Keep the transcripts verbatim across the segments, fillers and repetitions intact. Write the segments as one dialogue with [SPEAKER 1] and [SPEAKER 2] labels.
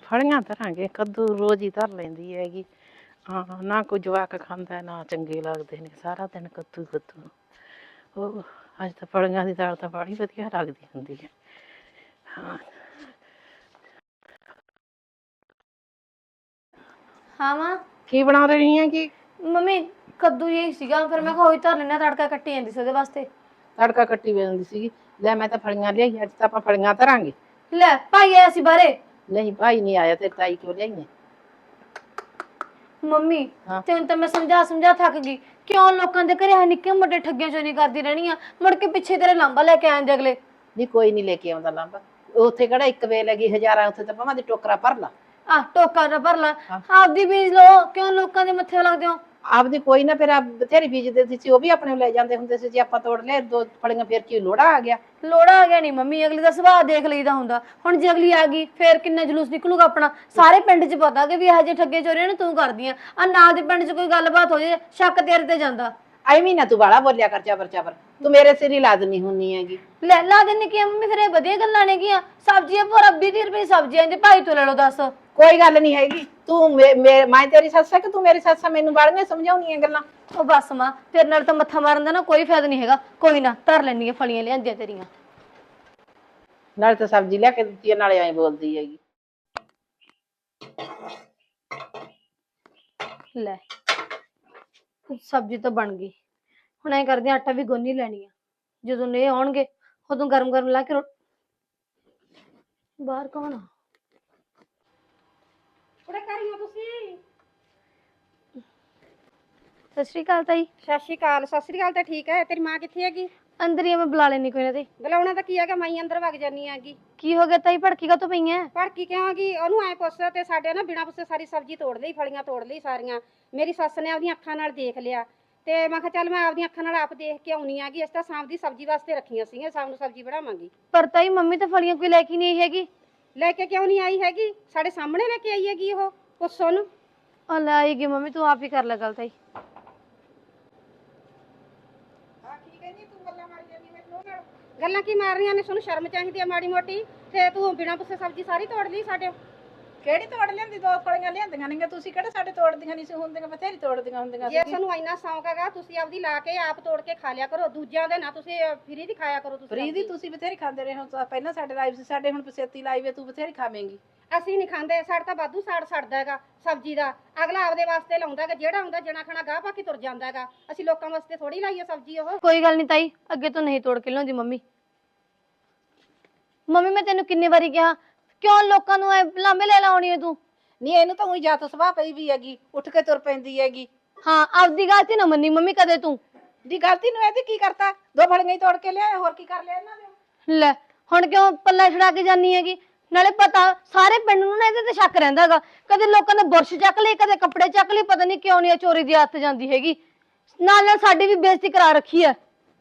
[SPEAKER 1] ਫਲੀਆਂ ਧਰਾਂਗੇ, ਕੱਦੂ ਰੋਜ਼ ਹੀ ਧਰ ਲੈਂਦੀ ਹੈਗੀ। ਹਾਂ, ਨਾ ਕੋਈ ਜਵਾਕ ਖਾਂਦਾ ਨਾ ਚੰਗੇ ਲੱਗਦੇ ਨੇ, ਸਾਰਾ ਦਿਨ ਕੱਦੂ ਕੱਦੂ। ਉਹ ਅੱਜ ਤਾਂ ਫਲੀਆਂ ਦੀ ਦਾਲ ਤਾਂ ਬੜੀ ਵਧੀਆ ਲੱਗਦੀ ਹੁੰਦੀ ਹੈ। ਹਾਂ
[SPEAKER 2] ਹਾਂ ਮਾਂ,
[SPEAKER 1] ਕੀ ਬਣਾ ਰਹੀ ਹੈ? ਕੀ
[SPEAKER 2] ਮੰਮੀ ਕੱਦੂ ਹੀ ਸੀਗਾ, ਫਿਰ ਮੈਂ ਕਿਹਾ ਉਹੀ ਧਰ ਲੈਣਾ, ਤੜਕਾ ਕੱਟੀ ਜਾਂਦੀ ਸੀ ਉਹਦੇ ਵਾਸਤੇ।
[SPEAKER 1] ਤੜਕਾ ਕੱਟੀ ਜਾਂਦੀ ਸੀਗੀ। ਲੈ ਮੈਂ ਤਾਂ ਫਲੀਆਂ ਲਿਆਈ, ਅੱਜ ਤਾਂ ਆਪਾਂ ਫਲੀਆਂ ਧਰਾਂਗੇ।
[SPEAKER 2] ਲੈ ਭਾਈ ਆਇਆ ਸੀ ਬਾਹਰੇ।
[SPEAKER 1] ਨਹੀਂ ਭਾਈ ਨਹੀਂ ਆਇਆ, ਤੇ ਤਾਈ ਕਿਉਂ ਲਿਆਈ?
[SPEAKER 2] ਮੰਮੀ
[SPEAKER 1] ਹਾਂ
[SPEAKER 2] ਤੈਨੂੰ ਤਾਂ ਮੈਂ ਸਮਝਾ ਸਮਝਾ ਥੱਕ ਗਈ। ਕਿਉਂ ਲੋਕਾਂ ਦੇ ਘਰੇ ਨਿੱਕੇ ਮੋਟੇ ਠੱਗੀਆਂ ਚੋਰੀ ਕਰਦੀ ਰਹਿਣੀ ਆ, ਮੁੜ ਕੇ ਪਿੱਛੇ ਤੇਰੇ ਲਾਂਬਾ ਲੈ ਕੇ ਆਉਂਦੇ ਅਗਲੇ।
[SPEAKER 1] ਨਹੀਂ ਕੋਈ ਨਹੀਂ ਲੈ ਕੇ ਆਉਂਦਾ ਲਾਂਬਾ, ਉੱਥੇ ਕਿਹੜਾ ਇੱਕ ਵੇਲ ਹੈਗੀ ਹਜ਼ਾਰਾਂ, ਉੱਥੇ ਤਾਂ ਭਾਵੇਂ ਦੀ ਟੋਕਰਾ ਭਰ ਲਾ।
[SPEAKER 2] ਆਹ ਟੋਕਾ ਨਾ ਭਰ ਲਾ, ਆਪਦੀ ਬੀਜ ਲਓ, ਕਿਉਂ ਲੋਕਾਂ ਦੇ ਮੱਥੇ ਲੱਗਦੇ ਹੋ?
[SPEAKER 1] ਆਪਦੀ ਕੋਈ ਨਾ, ਫਿਰ ਬਥੇਰੀ ਬੀਜਦੇ ਸੀ, ਉਹ ਵੀ ਆਪਣੇ ਲੈ ਜਾਂਦੇ ਹੁੰਦੇ ਸੀ। ਜੇ ਆਪਾਂ ਤੋੜ ਲਿਆ ਦੋ ਫਲੀਆਂ, ਫਿਰ ਕੀ ਲੋੜਾ ਆ ਗਿਆ?
[SPEAKER 2] ਲੋੜਾ ਆ ਗਿਆ ਨਹੀਂ ਮੰਮੀ, ਅਗਲੀ ਦਾ ਸੁਭਾਅ ਦੇਖ ਲਈਦਾ ਹੁੰਦਾ। ਹੁਣ ਜੇ ਅਗਲੀ ਆ ਗਈ ਫੇਰ ਕਿੰਨਾ ਜਲੂਸ ਨਿਕਲੂਗਾ ਆਪਣਾ, ਸਾਰੇ ਪਿੰਡ 'ਚ ਪਤਾ ਕਿ ਵੀ ਇਹੋ ਜਿਹੇ ਠੱਗੇ ਚੋਰੀਆਂ ਨੇ ਤੂੰ ਕਰਦੀ ਆ। ਆ ਨਾਲ ਦੇ ਪਿੰਡ 'ਚ ਕੋਈ ਗੱਲਬਾਤ ਹੋ ਜੇ, ਸ਼ੱਕ ਤੇਰੇ ਤੇ ਜਾਂਦਾ।
[SPEAKER 1] ਐਵੇਂ ਨਾ ਤੂੰ ਬਾਲਾ ਬੋਲਿਆ ਕਰ, ਚਾਬਰ ਚਾਬਰ, ਤੂੰ ਮੇਰੇ ਸਿਰ ਹੀ ਲਾਜ਼ਮੀ ਹੁੰਨੀ ਹੈਗੀ।
[SPEAKER 2] ਲੈ ਲਾ ਦਿੰਨੀ ਕੀ ਮੰਮੀ, ਫਿਰ ਇਹ ਵਧੀਆ ਗੱਲਾਂ ਨੇ ਗੀਆਂ। ਸਬਜ਼ੀਆਂ ਭੋਰਾ ਵੀਹ ਤੀਹ ਰੁਪਏ ਸਬਜ਼ੀਆਂ ਇਹਦੇ ਭਾਈ ਤੋਂ ਲੈ ਲਓ, ਦੱਸ।
[SPEAKER 1] ਕੋਈ ਗੱਲ ਨਹੀਂ ਹੈਗੀ, ਤੂੰ ਮੈਂ ਤੇਰੀ ਸੱਸ ਹੈ ਕਿ ਤੂੰ ਮੇਰੀ ਸੱਸ ਹੈ? ਮੈਨੂੰ ਬਾੜੀਆਂ ਸਮਝਾਉਣੀਆਂ ਗੱਲਾਂ।
[SPEAKER 2] ਉਹ ਬਸ ਮਾਂ, ਤੇਰੇ ਨਾਲ ਤਾਂ ਮੱਥਾ ਮਾਰਨ ਦਾ ਨਾ ਕੋਈ ਫਾਇਦਾ ਨਹੀਂ ਹੈਗਾ। ਕੋਈ ਨਾ ਧਰ ਲੈਣੀ ਆ ਫਲੀਆਂ ਲਿਆਂਦੀਆਂ ਤੇਰੀਆਂ।
[SPEAKER 1] ਨਾਲੇ ਤਾਂ ਸਬਜ਼ੀ ਲਿਆ ਕੇ ਦਿੱਤੀ ਹੈ, ਨਾਲੇ ਐਂ ਬੋਲਦੀ ਹੈਗੀ।
[SPEAKER 2] ਲੈ ਸਬਜ਼ੀ ਤਾਂ ਬਣ ਗਈ, ਹੁਣ ਐ ਕਰਦੇ ਆਟਾ ਵੀ ਗੁੰਨ ਹੀ ਲੈਣੀ ਆ। ਜਦੋਂ ਇਹ ਆਉਣਗੇ ਉਦੋਂ ਗਰਮ ਗਰਮ ਲਾ ਕੇ ਰੋ... ਬਾਹਰ ਕੌਣ ਆ?
[SPEAKER 3] ਕੁੜੇ ਕਰੀਓ ਤੁਸੀਂ?
[SPEAKER 2] ਸਤਿ ਸ਼੍ਰੀ ਅਕਾਲ ਤਾਈ।
[SPEAKER 3] ਸਤਿ ਸ਼੍ਰੀ ਅਕਾਲ। ਸਤਿ ਸ਼੍ਰੀ ਅਕਾਲ ਤਾਂ ਠੀਕ ਹੈ, ਤੇਰੀ ਮਾਂ ਕਿੱਥੇ ਹੈਗੀ?
[SPEAKER 2] ਅੰਦਰ ਹੀ ਆ, ਮੈਂ ਬੁਲਾ ਲੈਣੀ ਕੋਈ ਨਾ। ਤੇ
[SPEAKER 3] ਬੁਲਾਉਣਾ ਤਾਂ ਕੀ ਹੈਗਾ, ਮਾਈ ਅੰਦਰ ਵਗ ਜਾਨੀ ਹੈਗੀ।
[SPEAKER 2] ਕੀ ਹੋ ਗਿਆ ਤਾਈ, ਭੜਕੀ ਕਾਹਤੋਂ ਪਈ ਐ?
[SPEAKER 3] ਭੜਕੀ ਕਿਉਂ ਹੈਗੀ? ਉਹਨੂੰ ਐ ਪੁੱਛ ਤੇ ਸਾਡੇ ਨਾ ਬਿਨਾਂ ਪੁੱਛੇ ਸਾਰੀ ਸਬਜ਼ੀ ਤੋੜ ਲਈ, ਫਲੀਆਂ ਤੋੜ ਲਈ ਸਾਰੀਆਂ। ਮੇਰੀ ਸੱਸ ਨੇ ਆਪਦੀਆਂ ਅੱਖਾਂ ਨਾਲ ਦੇਖ ਲਿਆ, ਤੇ ਮੈਂ ਕਿਹਾ ਚੱਲ ਮੈਂ ਆਪਦੀਆਂ ਅੱਖਾਂ ਨਾਲ ਆਪ ਦੇਖ ਕੇ ਆਉਣੀ ਹੈਗੀ। ਇਸ ਤਾਂ ਸ਼ਾਮ ਦੀ ਸਬਜ਼ੀ ਵਾਸਤੇ ਰੱਖੀਆਂ ਸੀਗੀਆਂ, ਸ਼ਾਮ ਨੂੰ ਸਬਜ਼ੀ ਬਣਾਵਾਂਗੀ।
[SPEAKER 2] ਪਰ ਤਾਈ ਮੰਮੀ ਤਾਂ ਫਲੀਆਂ ਕੋਈ ਲੈ ਕੇ ਨਹੀਂ ਆਈ ਹੈਗੀ।
[SPEAKER 3] ਲੈ ਕੇ ਕਿਉਂ ਨਹੀਂ ਆਈ ਹੈਗੀ? ਸਾਡੇ ਸਾਹਮਣੇ ਲੈ ਕੇ ਆਈ ਹੈਗੀ ਉਹ, ਪੁੱਛੋ ਉਹਨੂੰ।
[SPEAKER 2] ਉਹ ਲੈ ਆਈ ਗਈ ਮੰਮੀ, ਤੂੰ ਆਪ ਹੀ ਕਰ ਲੈ ਗੱਲ ਤਾਈ।
[SPEAKER 3] ਗੱਲਾਂ ਕੀ ਮਾਰਨੀਆਂ ਨੇ? ਤੁਹਾਨੂੰ ਸ਼ਰਮ ਚਾਹੀਦੀ ਆ ਮਾੜੀ ਮੋਟੀ। ਤੇ ਤੂੰ ਬਿਨਾਂ ਪੁੱਛੇ ਸਬਜ਼ੀ ਸਾਰੀ ਤੋੜ ਲਈ ਸਾਡੇ।
[SPEAKER 1] ਕਿਹੜੀ ਤੋੜ ਲਿਆਂਦੀ? ਦੋ ਫਲੀਆਂ ਲਿਆਂਦੀਆਂ ਨੇ, ਤੁਸੀਂ ਕਿਹੜਾ ਸਾਡੇ ਤੋੜਦੀਆਂ ਨਹੀਂ ਸੀ ਹੁੰਦੀਆਂ? ਬਥੇਰੀ ਤੋੜਦੀਆਂ ਹੁੰਦੀਆਂ।
[SPEAKER 3] ਜੇ ਤੁਹਾਨੂੰ ਇੰਨਾ ਸ਼ੌਂਕ ਹੈਗਾ, ਤੁਸੀਂ ਆਪਦੀ ਲਾ ਕੇ ਆਪ ਤੋੜ ਕੇ ਖਾ ਲਿਆ ਕਰੋ, ਦੂਜਿਆਂ ਦੇ ਨਾ ਤੁਸੀਂ ਫਰੀ ਦੀ ਖਾਇਆ ਕਰੋ। ਤੁਸੀਂ
[SPEAKER 1] ਫਰੀ ਦੀ ਤੁਸੀਂ ਬਥੇਰੀ ਖਾਂਦੇ ਰਹੇ ਹੋ, ਪਹਿਲਾਂ ਸਾਡੇ ਲਾਈਵ ਸੀ, ਸਾਡੇ ਹੁਣ ਪਸੇਤੀ ਲਾਈਵ ਹੈ, ਤੂੰ ਬਥੇਰੀ ਖਾਵੇਂਗੀ।
[SPEAKER 3] ਅਸੀਂ ਨਹੀਂ ਖਾਂਦੇ, ਸਾਡਾ ਤਾਂ ਵਾਧੂ ਸਾੜ ਸੜਦਾ ਹੈਗਾ ਸਬਜ਼ੀ ਦਾ। ਅਗਲਾ ਆਪਦੇ ਵਾਸਤੇ ਲਾਉਂਦਾ ਹੈਗਾ, ਜਿਹੜਾ ਹੁੰਦਾ ਜਣਾ ਖਣਾ ਗਾਹ ਪਾ ਕੇ ਤੁਰ ਜਾਂਦਾ ਹੈਗਾ। ਅਸੀਂ ਲੋਕਾਂ ਵਾਸਤੇ ਥੋੜੀ ਲਾਈਏ ਸਬਜ਼ੀ ਉਹ।
[SPEAKER 2] ਕੋਈ ਗੱਲ ਨਹੀਂ ਤਾਈ, ਅੱਗੇ ਤੋਂ ਨਹੀਂ ਤੋੜ ਕੇ ਲਿਆਉਂਦੀ ਮੰਮੀ। ਮੰਮੀ ਮੈਂ ਤੈਨੂੰ ਕਿੰਨੇ ਵਾਰੀ ਕਿਹਾ, ਕਿਉਂ ਲੋਕਾਂ ਨੂੰ ਲਾਂਬੇ ਲੈ ਲਾਉਣੀ ਹੈ ਤੂੰ?
[SPEAKER 1] ਨਹੀਂ ਇਹਨੂੰ ਤਾਂ ਉਹੀ ਜਾਤ ਸੁਭਾਅ ਪਈ ਵੀ ਹੈਗੀ, ਉੱਠ ਕੇ ਤੁਰ ਪੈਂਦੀ ਹੈਗੀ।
[SPEAKER 2] ਹਾਂ, ਆਪਦੀ ਗਲਤੀ ਨਾ ਮੰਨੀ ਮੰਮੀ ਕਦੇ ਤੂੰ।
[SPEAKER 1] ਦੀ ਗਲਤੀ ਨੂੰ ਇਹਦੀ ਕੀ ਕਰਤਾ? ਦੋ ਫਲੀਆਂ ਹੀ ਤੋੜ ਕੇ ਲਿਆਏ, ਹੋਰ ਕੀ ਕਰ ਲਿਆ ਇਹਨਾਂ ਨੇ?
[SPEAKER 2] ਲੈ ਹੁਣ ਕਿਉਂ ਪੱਲਾ ਛੜਾ ਕੇ ਜਾਨੀ ਹੈਗੀ? ਨਾਲੇ ਪਤਾ ਸਾਰੇ ਪਿੰਡ ਨੂੰ ਨਾ ਇਹਦੇ ਤੇ ਸ਼ੱਕ ਰਹਿੰਦਾ ਹੈਗਾ। ਕਦੇ ਲੋਕਾਂ ਨੇ ਬੁਰਸ਼ ਚੱਕ ਲਈ, ਕਦੇ ਕੱਪੜੇ ਚੱਕ ਲਈ, ਪਤਾ ਨਹੀਂ ਕਿਉਂ ਨਹੀਂ ਚੋਰੀ ਦੀ ਆਦਤ ਜਾਂਦੀ ਹੈਗੀ। ਨਾਲ ਨਾਲ ਸਾਡੀ ਵੀ ਬੇਇੱਜ਼ਤੀ ਕਰਾ ਰੱਖੀ ਹੈ।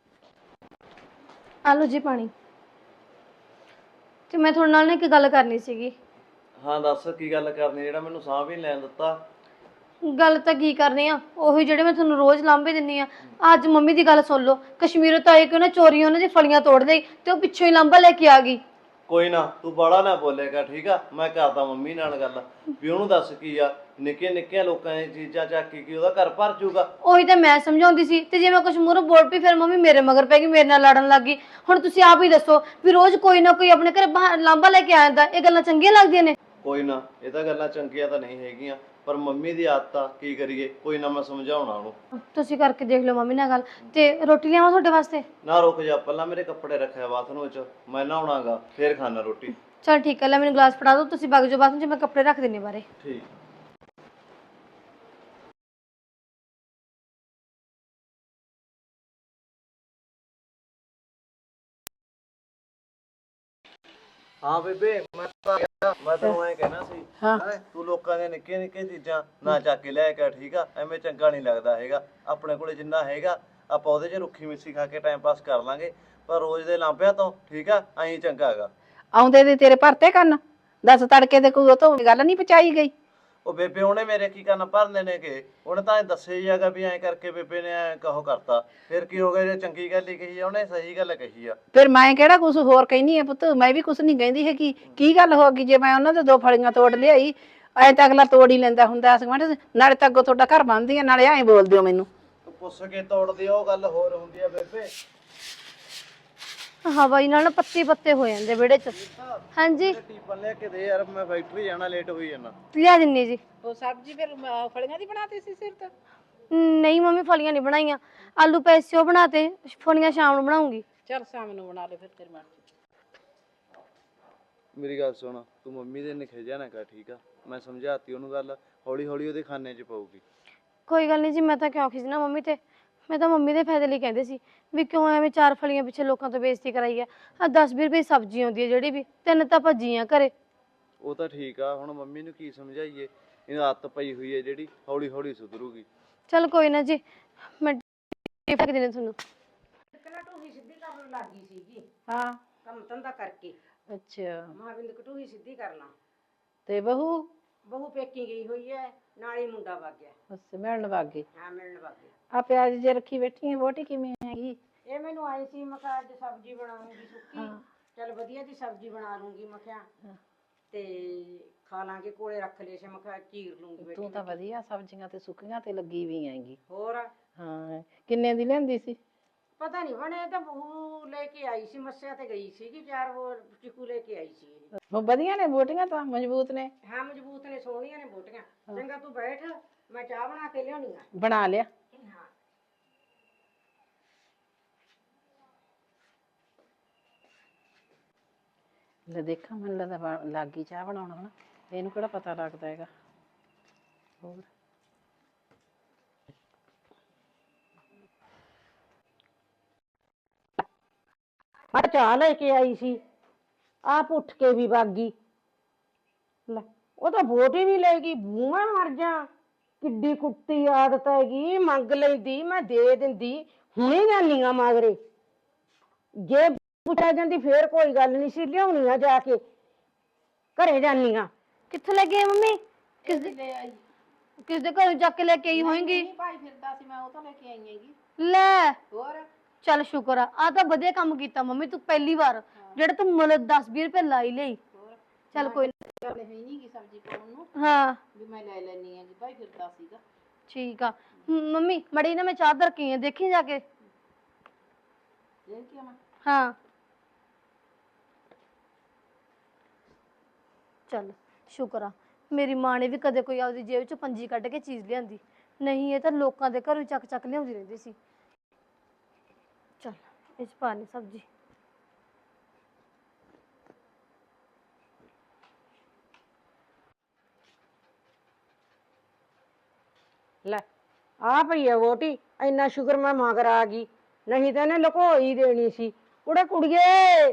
[SPEAKER 2] ਆਲੋ ਜੀ ਪਾਣੀ। ਤੇ ਮੈਂ ਤੁਹਾਡੇ ਨਾਲ ਨਾ ਇੱਕ ਗੱਲ ਕਰਨੀ ਸੀਗੀ।
[SPEAKER 4] ਹਾਂ ਦੱਸ, ਕੀ ਗੱਲ ਕਰਨੀ? ਜਿਹੜਾ ਮੈਨੂੰ ਸਾਹ ਵੀ ਨੀ ਲੈਣ ਦਿੱਤਾ।
[SPEAKER 2] ਗੱਲ ਤਾਂ ਕੀ ਕਰਨੀ ਆ, ਉਹੀ ਜਿਹੜੇ ਮੈਂ ਤੁਹਾਨੂੰ ਰੋਜ਼ ਲਾਂਭੇ ਦਿੰਨੀ ਆ। ਅੱਜ ਮੰਮੀ ਦੀ ਗੱਲ ਸੁਣ ਲਓ, ਕਸ਼ਮੀਰੋਂ ਤਾਂ ਆਏ ਕਿ ਉਹਨੇ ਚੋਰੀ ਉਹਨਾਂ ਦੀ ਫਲੀਆਂ ਤੋੜ ਲਈ, ਤੇ ਉਹ ਪਿੱਛੋਂ ਹੀ ਲਾਂਭਾ ਲੈ ਕੇ ਆ ਗਈ।
[SPEAKER 4] ਕੋਈ ਨਾ, ਤੂੰ ਬਾਲਾ ਨਾ ਬੋਲੇਗਾ, ਠੀਕ ਆ? ਮੈਂ ਕਰਦਾ ਮੰਮੀ ਨਾਲ ਗੱਲ ਵੀ ਉਹਨੂੰ ਦੱਸ ਕੀ ਆ, ਨਿੱਕੀਆਂ ਨਿੱਕੀਆਂ ਲੋਕਾਂ ਦੀਆਂ ਚੀਜ਼ਾਂ ਚੱਕ ਕੇ ਕੀ ਉਹਦਾ ਘਰ ਭਰ ਜੂਗਾ।
[SPEAKER 2] ਉਹੀ ਤਾਂ ਮੈਂ ਸਮਝਾਉਂਦੀ ਸੀ, ਤੇ ਜੇ ਮੈਂ ਕੁਛ ਮੂਹਰੋਂ ਬੋਲ ਪਈ ਫਿਰ ਮੰਮੀ ਮੇਰੇ ਮਗਰ ਪੈ ਗਈ, ਮੇਰੇ ਨਾਲ ਲੜਨ ਲੱਗ ਗਈ। ਹੁਣ ਤੁਸੀਂ ਆਪ ਹੀ ਦੱਸੋ ਵੀ ਰੋਜ਼ ਕੋਈ ਨਾ ਕੋਈ ਆਪਣੇ ਘਰੇ ਲਾਂਭਾ ਲੈ ਕੇ ਆ ਜਾਂਦਾ, ਇਹ ਗੱਲਾਂ ਚੰਗੀਆਂ ਲੱਗਦੀਆਂ ਨੇ?
[SPEAKER 4] ਕੋਈ ਨਾ, ਇਹ ਤਾਂ ਗੱਲਾਂ ਚੰਗੀਆਂ ਤਾਂ ਨਹੀਂ ਹੈਗੀਆਂ, ਪਰ ਮੰਮੀ ਦੀ ਆਦਤ ਆ, ਕੀ ਕਰੀਏ? ਕੋਈ ਨਾ, ਮੈਂ ਸਮਝਾਉਣਾ ਉਹਨੂੰ।
[SPEAKER 2] ਤੁਸੀਂ ਕਰਕੇ ਦੇਖ ਲਓ ਮੰਮੀ ਨਾਲ ਗੱਲ। ਤੇ ਰੋਟੀ ਲਿਆਵਾਂ ਤੁਹਾਡੇ ਵਾਸਤੇ?
[SPEAKER 4] ਨਾ ਰੁਕ ਜਾ, ਪਹਿਲਾਂ ਮੇਰੇ ਕੱਪੜੇ ਰੱਖਿਆ ਬਾਥਰੂਮ ਵਿੱਚ, ਮੈਂ ਨਹਾਉਣਾਗਾ, ਫੇਰ ਖਾਣਾ ਰੋਟੀ।
[SPEAKER 2] ਚਲ ਠੀਕ ਹੈ, ਲੈ ਮੈਨੂੰ ਗਲਾਸ ਫੜਾ ਦਿਓ, ਤੁਸੀਂ ਵਗ ਜਾਓ ਬਾਥਰੂਮ 'ਚ, ਮੈਂ ਕੱਪੜੇ ਰੱਖ ਦਿੰਨੀ ਬਾਰੇ।
[SPEAKER 4] ਠੀਕ। ਹਾਂ ਬੇਬੇ, ਮੈਂ ਤਾਂ ਮੈਂ ਤੈਨੂੰ ਐਂ ਕਹਿਣਾ ਸੀ, ਤੂੰ ਲੋਕਾਂ ਦੀਆਂ ਨਿੱਕੀਆਂ ਨਿੱਕੀਆਂ ਚੀਜ਼ਾਂ ਨਾ ਚੱਕ ਕੇ ਲੈ ਕੇ, ਠੀਕ ਆ? ਐਵੇਂ ਚੰਗਾ ਨਹੀਂ ਲੱਗਦਾ ਹੈਗਾ। ਆਪਣੇ ਕੋਲੇ ਜਿੰਨਾ ਹੈਗਾ ਆਪਾਂ ਉਹਦੇ 'ਚ ਰੁੱਖੀ ਮਿੱਸੀ ਖਾ ਕੇ ਟਾਈਮ ਪਾਸ ਕਰ ਲਾਂਗੇ, ਪਰ ਰੋਜ਼ ਦੇ ਲਾਂਭਿਆਂ ਤੋਂ, ਠੀਕ ਆ, ਐਂ ਚੰਗਾ ਹੈਗਾ।
[SPEAKER 1] ਆਉਂਦੇ ਦੇ ਤੇਰੇ ਭਰਤੇ ਕੰਨ, ਦੱਸ ਤੜਕੇ ਦੇ ਕੋਈ ਉਹ ਤੋਂ ਗੱਲ ਨਹੀਂ ਪਚਾਈ ਗਈ?
[SPEAKER 4] ਉਹ ਬੇਬੇ ਉਹਨੇ ਮੇਰੇ ਕੀ ਕਰਨ ਭਰਨੇ ਨੇ ਕਿ ਉਹਨੇ ਤਾਂ ਦੱਸਿਆ ਹੀ ਹੈਗਾ ਵੀ ਐਂ ਕਰਕੇ ਬੇਬੇ ਨੇ ਐਂ ਕਹੋ ਕਰਤਾ। ਫਿਰ ਕੀ ਹੋ ਗਿਆ ਜੇ ਚੰਗੀ ਗੱਲ ਹੀ ਕਹੀ ਆ ਉਹਨੇ, ਸਹੀ ਗੱਲ ਕਹੀ ਆ।
[SPEAKER 1] ਫਿਰ ਮੈਂ ਕਿਹੜਾ ਕੁਝ ਹੋਰ ਕਹਿੰਦੀ ਆ ਪੁੱਤ, ਮੈਂ ਵੀ ਕੁਝ ਨਹੀਂ ਕਹਿੰਦੀ ਹੈਗੀ। ਕੀ ਗੱਲ ਹੋ ਗਈ ਜੇ ਮੈਂ ਉਹਨਾਂ ਦੇ ਦੋ ਫਲੀਆਂ ਤੋੜ ਲਿਆਈ? ਐਂ ਤਾਂ ਅਗਲਾ ਤੋੜ ਹੀ ਲੈਂਦਾ ਹੁੰਦਾ ਸੀ। ਨਾਲੇ ਤਾਂ ਅੱਗੋਂ ਤੁਹਾਡਾ ਘਰ ਬਣਦੀ ਆ, ਨਾਲੇ ਐਂ ਬੋਲਦੇ ਹੋ ਮੈਨੂੰ।
[SPEAKER 4] ਪੁੱਛ ਕੇ ਤੋੜਦੀ ਉਹ ਗੱਲ ਹੋਰ ਹੁੰਦੀ ਆ ਬੇਬੇ।
[SPEAKER 2] ਹਵਾਈ ਨਾਲ ਨਾ ਪੱਤੇ ਪੱਤੇ ਹੋ ਜਾਂਦੇ ਵਿਹੜੇ 'ਚ। ਹਾਂਜੀ
[SPEAKER 4] ਟੀਪਨ ਲੈ ਕੇ ਦੇ ਯਾਰ, ਮੈਂ ਫੈਕਟਰੀ ਜਾਣਾ, ਲੇਟ ਹੋਈ ਜਾਣਾ।
[SPEAKER 2] ਲਿਆ ਦਿੰਨੀ ਜੀ।
[SPEAKER 1] ਉਹ ਸਬਜ਼ੀ ਫਿਰ ਫਲੀਆਂ ਦੀ ਬਣਾਤੀ ਸੀ ਸਿਰ ਤੇ?
[SPEAKER 2] ਨਹੀਂ ਮੰਮੀ ਫਲੀਆਂ ਨਹੀਂ ਬਣਾਈਆਂ, ਆਲੂ ਪੈਸਿਓ ਬਣਾਤੇ, ਫਲੀਆਂ ਸ਼ਾਮ ਨੂੰ ਬਣਾਉਂਗੀ।
[SPEAKER 1] ਚੱਲ ਸ਼ਾਮ ਨੂੰ ਬਣਾ ਲੈ ਫਿਰ ਤੇਰੀ ਮਰਜ਼ੀ।
[SPEAKER 4] ਮੇਰੀ ਗੱਲ ਸੁਣ, ਤੂੰ ਮੰਮੀ ਦੇ ਨਿਖੇਜਿਆ ਨਾ ਕਰ, ਠੀਕ ਆ? ਮੈਂ ਸਮਝਾਤੀ ਉਹਨੂੰ ਗੱਲ, ਹੌਲੀ ਹੌਲੀ ਉਹਦੇ ਖਾਨੇ 'ਚ ਪਊਗੀ।
[SPEAKER 2] ਕੋਈ ਗੱਲ ਨਹੀਂ ਜੀ, ਮੈਂ ਤਾਂ ਕਿਉਂ ਖਿਜਣਾ ਮੰਮੀ ਤੇ, ਮੈਂ ਤਾਂ ਮੰਮੀ ਦੇ ਫਾਇਦੇ ਲਈ ਕਹਿੰਦੇ ਸੀ ਵੀ ਕਿਉਂ ਐਵੇਂ ਚਾਰ ਫਲੀਆਂ ਪਿੱਛੇ ਲੋਕਾਂ ਤੋਂ ਬੇਇੱਜ਼ਤੀ ਕਰਾਈ ਆ। ਆ ਦਸ ਵੀਹ ਰੁਪਏ ਸਬਜ਼ੀ ਆਉਂਦੀ ਹੈ ਜਿਹੜੀ ਵੀ, ਤਿੰਨ ਤਾਂ ਭੱਜੀਆਂ ਘਰੇ।
[SPEAKER 4] ਉਹ ਤਾਂ ਠੀਕ ਆ, ਹੁਣ ਮੰਮੀ ਨੂੰ ਕੀ ਸਮਝਾਈਏ? ਇਹਨੂੰ ਆਦਤ ਪਈ ਹੋਈ ਹੈ ਜਿਹੜੀ, ਹੌਲੀ ਹੌਲੀ ਸੁਧਰੂਗੀ।
[SPEAKER 2] ਚੱਲ ਕੋਈ ਨਾ ਜੀ, ਮੈਂ ਫੇਕ ਦੇਣੇ ਤੁਹਾਨੂੰ।
[SPEAKER 3] ਕਟੂਹੀ ਸਿੱਧੀ ਕਰਨ ਲੱਗੀ ਸੀਗੀ
[SPEAKER 1] ਹਾਂ
[SPEAKER 3] ਕੰਮ ਧੰਦਾ ਕਰਕੇ।
[SPEAKER 1] ਅੱਛਾ,
[SPEAKER 3] ਮਹਾਬਿੰਦ ਕਟੂਹੀ ਸਿੱਧੀ ਕਰਨਾ।
[SPEAKER 1] ਤੇ ਬਹੂ?
[SPEAKER 3] ਬਹੂ ਪੇਕੀ ਗਈ ਹੋਈ ਹੈ, ਨਾਲ ਹੀ ਮੁੰਡਾ ਵਗ ਗਿਆ।
[SPEAKER 1] ਅੱਛਾ, ਮਿਲਣ ਵਗ ਗਈ।
[SPEAKER 3] ਹਾਂ ਮਿਲਣ ਵਗ ਗਿਆ।
[SPEAKER 1] ਆ ਪਿਆਜ ਜੇ ਰੱਖੀ ਬੈਠੀ ਹੈ, ਵੋਟੀ ਕਿਵੇਂ ਹੈਗੀ?
[SPEAKER 3] ਇਹ ਮੈਨੂੰ ਆਈ ਸੀ, ਮੈਂ ਕਿਹਾ ਅੱਜ ਸਬਜ਼ੀ ਬਣਾਉਂਗੀ ਸੁੱਕੀ।
[SPEAKER 1] ਹਾਂ।
[SPEAKER 3] ਚੱਲ ਵਧੀਆ ਜੀ ਸਬਜ਼ੀ ਬਣਾ ਲੂੰਗੀ ਮੈਂ ਕਿਹਾ, ਤੇ ਖਾ ਲਾਂਗੇ, ਕੋਲੇ ਰੱਖ ਲਏ ਸੀ, ਮੈਂ ਕਿਹਾ ਚੀਰ ਲੂੰਗੀ ਬੇਟੀ।
[SPEAKER 1] ਤੂੰ ਤਾਂ ਵਧੀਆ ਸਬਜ਼ੀਆਂ ਤੇ ਸੁੱਕੀਆਂ ਤੇ ਲੱਗੀ ਵੀ ਹੈਗੀ।
[SPEAKER 3] ਹੋਰ
[SPEAKER 1] ਹਾਂ, ਕਿੰਨੇ ਦੀ ਲੈਂਦੀ ਸੀ?
[SPEAKER 3] ਪਤਾ ਨਹੀਂ ਬਣੇ, ਤਾਂ ਬਹੂ ਲੈ ਕੇ ਆਈ ਸੀ, ਮੱਸਿਆ ਤੇ ਗਈ ਸੀਗੀ, ਚਾਰ ਹੋਰ ਚਿਕੂ ਲੈ ਕੇ ਆਈ ਸੀ ਇਹ।
[SPEAKER 1] ਉਹ ਵਧੀਆ ਨੇ ਬੋਟੀਆਂ, ਤਾਂ ਮਜ਼ਬੂਤ ਨੇ।
[SPEAKER 3] ਹਾਂ ਮਜ਼ਬੂਤ ਨੇ, ਸੋਹਣੀਆਂ ਨੇ ਬੋਟੀਆਂ। ਚੰਗਾ ਤੂੰ ਬੈਠ, ਮੈਂ ਚਾਹ ਬਣਾ ਕੇ ਲਿਆਉਣੀ ਆ।
[SPEAKER 1] ਬਣਾ ਲਿਆ?
[SPEAKER 3] ਹਾਂ
[SPEAKER 1] ਲੈ ਦੇਖਾਂ, ਮੈਨੂੰ ਲੱਗਦਾ ਲੱਗ ਗਈ ਚਾਹ ਬਣਾਉਣਾ ਹਨਾ। ਇਹਨੂੰ ਕਿਹੜਾ ਪਤਾ ਲੱਗਦਾ ਹੈਗਾ। ਹੋਰ
[SPEAKER 3] ਮੈਂ ਚਾਹ ਲੈ ਕੇ ਆਈ ਸੀ, ਆਪ ਉੱਠ ਕੇ ਵੀ ਵਗ ਗਈ। ਲੈ ਉਹ ਤਾਂ ਵੋਟ ਹੀ ਵੀ ਲੈ ਗਈ। ਬੂਹਾ ਮਰ ਜਾ, ਕਿੱਡੀ ਕੁੱਤੀ ਆਦਤ ਹੈਗੀ। ਮੰਗ ਲੈਂਦੀ ਮੈਂ ਦੇ ਦਿੰਦੀ, ਹੁਣੇ ਜਾਨੀਆਂ ਮਗਰੇ। ਜੇ ਪੁੱਛਿਆ ਜਾਂਦੀ ਫੇਰ ਕੋਈ ਗੱਲ ਨਹੀਂ ਸੀ, ਲਿਆਉਣੀ ਆ ਜਾ ਕੇ, ਘਰੇ ਜਾਨੀਆਂ।
[SPEAKER 2] ਕਿੱਥੇ ਲੈ ਕੇ ਆਏ ਮੰਮੀ? ਕਿਸ ਦੇ ਲੈ ਆਈ? ਕਿਸ ਦੇ ਘਰੋਂ ਚੱਕ ਕੇ ਲੈ ਕੇ ਆਈ ਹੋਏਗੀ?
[SPEAKER 1] ਭਾਈ ਫਿਰਦਾ ਸੀ, ਮੈਂ ਉਹ ਤਾਂ ਲੈ ਕੇ ਆਈ ਹੈਗੀ।
[SPEAKER 2] ਲੈ
[SPEAKER 1] ਹੋਰ
[SPEAKER 2] ਚੱਲ ਸ਼ੁਕਰ ਆ, ਆ ਤਾਂ ਵਧੀਆ ਕੰਮ ਕੀਤਾ ਮੰਮੀ ਤੂੰ, ਪਹਿਲੀ ਵਾਰ ਜਿਹੜਾ ਤੂੰ ਮਤਲਬ ਦਸ ਵੀਹ ਰੁਪਏ ਲਾਈ ਲਈ। ਚੱਲ ਕੋਈ
[SPEAKER 1] ਗੱਲ ਹੈ ਨਹੀਂ ਗੀ ਸਬਜ਼ੀ ਪਾਉਣ ਨੂੰ,
[SPEAKER 2] ਹਾਂ
[SPEAKER 1] ਵੀ ਮੈਂ ਲੈ ਲੈਣੀ ਹੈਗੀ। ਭਾਈ ਫਿਰਦਾ ਸੀਗਾ।
[SPEAKER 2] ਠੀਕ ਆ। ਮ- ਮੰਮੀ ਮੜੀ ਨਾ ਮੈਂ ਚਾਹ ਧਰ ਕੇ ਆਈ ਆ, ਦੇਖੀ ਜਾ ਕੇ।
[SPEAKER 1] ਦੇਖ ਕੇ ਮੈਂ
[SPEAKER 2] ਹਾਂ ਚੱਲ ਸ਼ੁਕਰ ਆ, ਮੇਰੀ ਮਾਂ ਨੇ ਵੀ ਕਦੇ ਕੋਈ ਆਪਦੀ ਜੇਬ ਚੋਂ ਪੰਜੀ ਕੱਢ ਕੇ ਚੀਜ਼ ਲਿਆਂਦੀ ਨਹੀਂ, ਇਹ ਤਾਂ ਲੋਕਾਂ ਦੇ ਘਰੋਂ ਚੱਕ ਚੱਕ ਲਿਆਉਂਦੀ ਰਹਿੰਦੀ ਸੀ। ਚੱਲ ਇਹ ਚ ਪਾ ਲਈ ਸਬਜ਼ੀ।
[SPEAKER 3] ਲੈ ਆ ਪਈ ਆ ਵੋਟੀ, ਇੰਨਾ ਸ਼ੁਕਰ ਮੈਂ ਮਗਰ ਆ ਗਈ, ਨਹੀਂ ਤਾਂ ਇਹਨੇ ਲੁਕੋ ਹੀ ਦੇਣੀ ਸੀ। ਕੁੜੇ ਕੁੜੀਏ,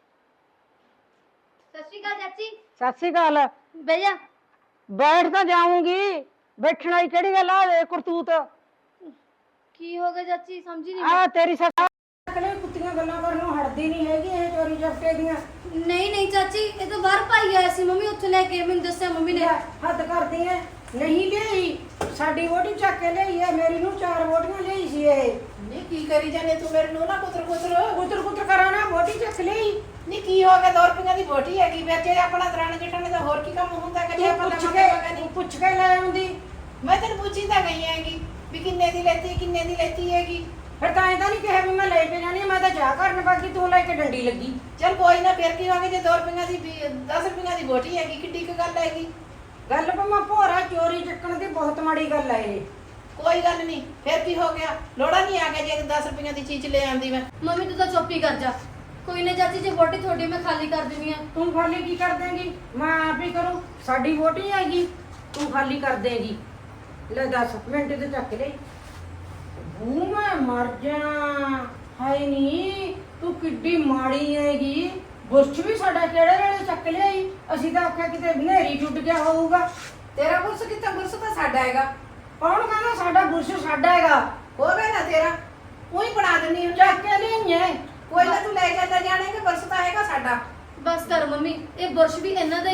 [SPEAKER 2] ਸਤਿ ਸ਼੍ਰੀ ਅਕਾਲ ਚਾਚੀ।
[SPEAKER 3] ਸਤਿ ਸ੍ਰੀ ਅਕਾਲ।
[SPEAKER 2] ਬਹਿ ਜਾ।
[SPEAKER 3] ਬੈਠ ਤਾਂ ਜਾਊਂਗੀ, ਬੈਠਣਾ ਹੀ ਕਿਹੜੀ ਗੱਲ ਆ? ਵੇ ਕਰਤੂਤ
[SPEAKER 2] ਕੀ ਹੋ ਗਿਆ ਚਾਚੀ, ਸਮਝੀ ਨਹੀਂ।
[SPEAKER 3] ਆ ਤੇਰੀ ਸੱਸ ਅਕਲੇ ਕੁੱਤੀਆਂ ਗੱਲਾਂ ਕਰਨੋਂ ਹਟਦੀ ਨਹੀਂ ਹੈਗੀ, ਇਹ ਚੋਰੀ ਜਫਟੇ ਦੀਆਂ।
[SPEAKER 2] ਨਹੀਂ ਨਹੀਂ ਚਾਚੀ, ਇਹ ਤਾਂ ਬਾਹਰ ਭਾਈ ਆਇਆ ਸੀ, ਮੰਮੀ ਉੱਥੇ ਲੈ ਕੇ ਮੈਨੂੰ ਦੱਸਿਆ ਮੰਮੀ ਨੇ।
[SPEAKER 3] ਹੱਦ ਕਰਦੀ ਐ, ਨਹੀਂ ਲਈ ਸਾਡੀ ਵੋਟੀ ਚੱਕ ਕੇ ਲਈ ਐ, ਮੇਰੀ ਨੂੰ ਚਾਰ ਵੋਟੀਆਂ ਲਈ ਸੀ ਇਹ।
[SPEAKER 1] ਨਹੀਂ ਕੀ ਕਰੀ ਜਾਨੇ ਤੂੰ ਮੇਰੇ ਨੂੰ? ਨਾ ਕੁਤਰ ਕੁਤਰ
[SPEAKER 3] ਕੁੱਤਰ ਕੁੱਤਰ ਕਰਾਂ ਨਾ, ਵੋਟੀ ਚੱਕ ਲਈ।
[SPEAKER 1] ਨਹੀਂ ਕੀ ਹੋ ਗਿਆ? ਦੋ ਰੁਪਈਆਂ ਦੀ ਬੋਟੀ ਹੈਗੀ ਵਿੱਚ, ਆਪਣਾ ਦਰਾਣੀ ਜਠਾਣੀ ਦਾ ਹੋਰ ਕੀ ਕੰਮ ਹੁੰਦਾ ਕਿ ਜੇ ਆਪਾਂ
[SPEAKER 3] ਪੁੱਛ
[SPEAKER 1] ਲਵਾਂਗੇ?
[SPEAKER 3] ਕੇ ਪੁੱਛ ਕੇ ਲੈ ਆਉਂਦੀ।
[SPEAKER 1] ਮੈਂ ਤੈਨੂੰ ਪੁੱਛੀ ਤਾਂ ਗਈ ਹੈਗੀ ਵੀ ਕਿੰਨੇ ਦੀ ਲੈਤੀ, ਕਿੰਨੇ ਦੀ ਲੈਤੀ ਹੈਗੀ।
[SPEAKER 3] ਫਿਰ ਤਾਂ ਇਹਦਾ ਨਹੀਂ ਕਿਹਾ ਵੀ ਮੈਂ ਲੈ ਕੇ ਜਾਣੀ, ਮੈਂ ਤਾਂ ਜਾ ਕਰਨ ਬਾਕੀ ਤੂੰ ਲੈ ਕੇ ਡੰਡੀ ਲੱਗੀ।
[SPEAKER 1] ਚੱਲ ਕੋਈ ਨਾ, ਫਿਰ ਕੀ ਹੋ ਗਿਆ ਜੇ ਦੋ ਰੁਪਈਆਂ ਦੀ ਦਸ ਰੁਪਈਆਂ ਦੀ ਬੋਟੀ ਹੈਗੀ, ਕਿੱਡੀ ਕੁ ਗੱਲ ਹੈਗੀ।
[SPEAKER 3] ਗੱਲ ਭਾਵੇਂ ਭੋਰਾ ਚੋਰੀ ਚੱਕਣ ਦੀ ਬਹੁਤ ਮਾੜੀ ਗੱਲ ਹੈ ਇਹ।
[SPEAKER 1] ਕੋਈ ਗੱਲ ਨਹੀਂ, ਫਿਰ ਕੀ ਹੋ ਗਿਆ? ਲੋੜਾ ਨਹੀਂ ਆ ਗਿਆ ਜੇ ਦਸ ਰੁਪਈਆਂ ਦੀ ਚੀਜ਼ ਲੈ ਆਂਦੀ ਮੈਂ।
[SPEAKER 2] ਮੰਮੀ ਤੂੰ ਤਾਂ ਚੁੱਪ ਹੀ ਕਰ ਜਾ। ਕੋਈ ਨਾ ਚਾਚੀ, ਜੇ ਵੋਟੀ ਤੁਹਾਡੀ ਮੈਂ ਖਾਲੀ ਕਰ ਦਿੰਦੀ ਆ।
[SPEAKER 3] ਤੂੰ ਖਾਲੀ ਕੀ ਕਰ ਦੇਂਗੀ? ਮੈਂ ਆਪ ਹੀ ਕਰੂੰ, ਸਾਡੀ ਵੋਟੀ ਹੈਗੀ, ਤੂੰ ਖਾਲੀ ਕਰ ਦੇਂਗੀ। ਲੈ ਦਸ ਮਿੰਟ ਤੇ ਚੱਕ ਲਈ। ਬੂ ਮੈਂ ਮਰ ਜਾ। ਹਾਏ ਨੀ, ਤੂੰ ਕਿੱਡੀ ਮਾੜੀ ਹੈਗੀ। ਬੁਰਸ਼ ਵੀ ਸਾਡਾ ਕਿਹੜੇ ਵੇਲੇ ਚੱਕ ਲਿਆਈ, ਅਸੀਂ ਤਾਂ ਆਖਿਆ ਕਿਤੇ ਹਨੇਰੀ ਟੁੱਟ ਗਿਆ ਹੋਊਗਾ।
[SPEAKER 1] ਤੇਰਾ ਬੁਰਸ ਕਿੱਥੇ? ਬੁਰਸ ਤਾਂ ਸਾਡਾ ਹੈਗਾ।
[SPEAKER 3] ਕੌਣ ਕਹਿੰਦਾ ਸਾਡਾ ਬੁਰਸ਼ ਸਾਡਾ ਹੈਗਾ?
[SPEAKER 1] ਹੋਵੇ ਨਾ ਤੇਰਾ, ਉਹੀ ਬਣਾ ਦਿੰਨੀ ਹਾਂ।
[SPEAKER 3] ਚੱਕ ਕੇ ਲਿਆਈਏ।
[SPEAKER 1] ਕੋਈ ਨਾ ਤੂੰ ਲੈ ਜਾਂਦਾ ਜਾਣੇਗਾ, ਬੁਰਸ ਤਾਂ ਹੈਗਾ ਸਾਡਾ।
[SPEAKER 2] ਬਸ ਕਰ ਮੰਮੀ, ਇਹ ਬੁਰਸ਼ ਵੀ ਇਹਨਾਂ ਦਾ ਹੀ ਆ।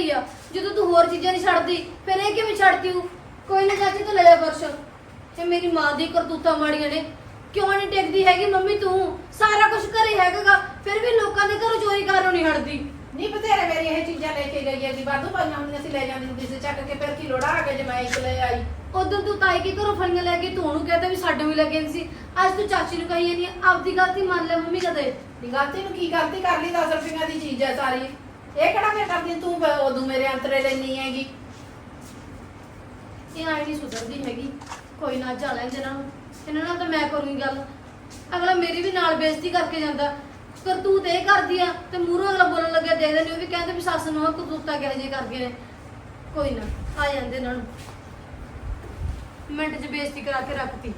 [SPEAKER 2] ਜਦੋਂ ਤੂੰ ਹੋਰ ਚੀਜ਼ਾਂ ਨਹੀਂ ਛੱਡਦੀ ਫਿਰ ਇਹ ਕਿਵੇਂ ਛੱਡਦੀ ਹੂੰ? ਕੋਈ ਨਾ ਚਾਚੀ ਤੂੰ ਲੈ ਜਾ ਪਰਸ। ਇਹ ਮੇਰੀ ਮਾਂ ਦੀ ਕਰਤੂਤਾਂ ਮਾੜੀਆਂ ਨੇ। ਕਿਉਂ ਨਹੀਂ ਟਿਕਦੀ ਹੈਗੀ ਮੰਮੀ ਤੂੰ? ਸਾਰਾ ਕੁਝ ਘਰੇ ਹੈਗਾਗਾ ਫਿਰ ਵੀ ਲੋਕਾਂ ਦੇ ਘਰੋਂ ਚੋਰੀ ਕਰਨੋਂ ਨਹੀਂ ਹਟਦੀ।
[SPEAKER 1] ਨਹੀਂ ਬਥੇਰੇ ਮੇਰੀ ਇਹ ਚੀਜ਼ਾਂ ਲੈ ਕੇ ਗਈ ਹੈਗੀ, ਵਾਧੂ ਪਾਈਆਂ ਹੁੰਦੀਆਂ ਸੀ, ਲੈ ਜਾਂਦੀ ਹੁੰਦੀ ਸੀ ਚੱਕ ਕੇ, ਫਿਰ ਕੀ ਲੋੜਾ ਆ ਗਿਆ ਜੇ ਮੈਂ ਇੱਕ ਲੈ ਆਈ।
[SPEAKER 2] ਉਦੋਂ ਤੂੰ ਤਾਈ ਕੇ ਘਰੋਂ ਫਲੀਆਂ ਲੈ ਕੇ ਤੂੰ ਉਹਨੂੰ ਕਹਿੰਦਾ ਵੀ ਸਾਡੇ ਵੀ ਲੱਗੇ ਸੀ। ਅੱਜ ਤੂੰ ਚਾਚੀ ਨੂੰ ਕਹੀ ਜਾਂਦੀ ਆ, ਆਪਦੀ ਗਲਤੀ ਮੰਨ ਲੈ ਮੰਮੀ ਕਦੇ।
[SPEAKER 1] ਨੀ ਗਲਤੀ ਨੂੰ ਕੀ ਗਲਤੀ ਕਰ ਲਈ, ਦਸ ਰੁਪਈਆਂ ਦੀ ਚੀਜ਼ ਹੈ ਸਾਰੀ, ਇਹ ਕਿਹੜਾ ਮੈਂ ਕਰਦੀ ਤੂੰ ਬ- ਉਦੋਂ ਮੇਰੇ ਅੰਤਰੇ ਲੈਣੀ ਹੈਗੀ।
[SPEAKER 2] ਇਹ ਆਈ ਨਹੀਂ ਸੁਧਰਦੀ ਹੈਗੀ। ਕੋਈ ਨਾ ਜਾ ਲੈਂਦੇ ਇਹਨਾਂ ਨੂੰ, ਇਹਨਾਂ ਨਾਲ ਤਾਂ ਮੈਂ ਕਰੂੰਗੀ ਗੱਲ। ਅਗਲਾ ਮੇਰੀ ਵੀ ਨਾਲ ਬੇਇੱਜ਼ਤੀ ਕਰਕੇ ਜਾਂਦਾ। ਕਰਤੂਤ ਇਹ ਕਰਦੀ ਆ ਤੇ ਮੂਹਰੋਂ ਅਗਲਾ ਬੋਲਣ ਲੱਗਿਆ ਦੇਖਦੇ ਨੇ ਉਹ ਵੀ ਕਹਿੰਦੇ ਵੀ ਸੱਸ ਨੂੰ ਕਰਤੂਤਾਂ ਕਿਹੋ ਜਿਹੇ ਕਰ ਗਏ ਨੇ। ਕੋਈ ਨਾ ਆ ਜਾਂਦੇ ਇਹਨਾਂ ਨੂੰ, ਮਿੰਟ 'ਚ ਬੇਇੱਜ਼ਤੀ ਕਰਾ ਕੇ ਰੱਖਤੀ।